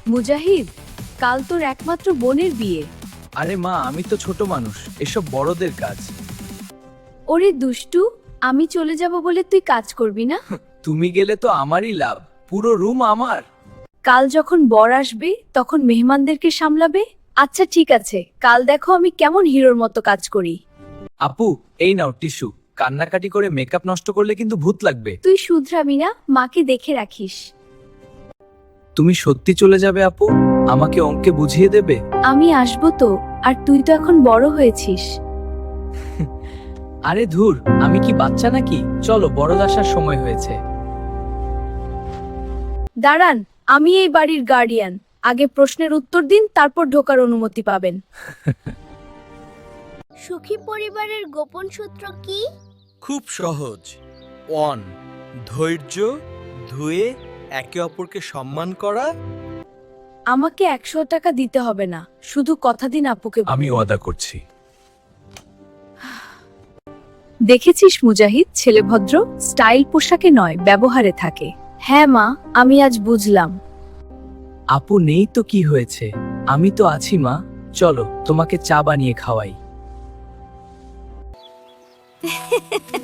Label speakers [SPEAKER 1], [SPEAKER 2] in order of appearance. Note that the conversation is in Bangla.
[SPEAKER 1] মুজাহিদ, কাল তোর একমাত্র বোনের বিয়ে।
[SPEAKER 2] আরে মা, আমি তো ছোট মানুষ, এসব বড়দের কাজ।
[SPEAKER 1] ওরে দুষ্টু, আমি চলে যাব বলে তুই কাজ করবি না?
[SPEAKER 2] তুমি গেলে তো আমারই লাভ, পুরো রুম আমার।
[SPEAKER 1] কাল যখন বর আসবে তখন মেহমানদেরকে সামলাবে। আচ্ছা ঠিক আছে, কাল দেখো আমি কেমন হিরোর মতো কাজ করি।
[SPEAKER 2] আপু, এই নাও টিস্যু। কান্নাকাটি করে মেকআপ নষ্ট করলে কিন্তু ভূত লাগবে।
[SPEAKER 1] তুই শুধরাবি না, মাকে দেখে রাখিস।
[SPEAKER 2] তুমি সত্যি চলে যাবে আপু? আমাকে অঙ্কে বুঝিয়ে দেবে?
[SPEAKER 1] আমি আসবো তো, আর তুই তো এখন বড় হয়েছিস।
[SPEAKER 2] আরে ধুর, আমি কি বাচ্চা নাকি? চলো, বড়দ আসার সময় হয়েছে।
[SPEAKER 1] দাঁড়ান, আমি এই বাড়ির গার্ডিয়ান। আগে প্রশ্নের উত্তর দিন, তারপর ঢোকার অনুমতি পাবেন।
[SPEAKER 3] সুখী পরিবারের গোপন সূত্র কি?
[SPEAKER 4] খুব সহজ। 1. ধৈর্য। 2. একে অপরকে সম্মান করা।
[SPEAKER 1] আমাকে 100 টাকা দিতে হবে না, শুধু কথা দিন আপুকে।
[SPEAKER 2] আমি ওয়াদা করছি।
[SPEAKER 1] দেখেছিস মুজাহিদ, ছেলে ভদ্র, স্টাইল পোশাকে নয় ব্যবহারে থাকে। হ্যাঁ মা, আমি আজ বুঝলাম।
[SPEAKER 2] আপু নেই তো কি হয়েছে, আমি তো আছি মা। চলো, তোমাকে চা বানিয়ে খাওয়াই।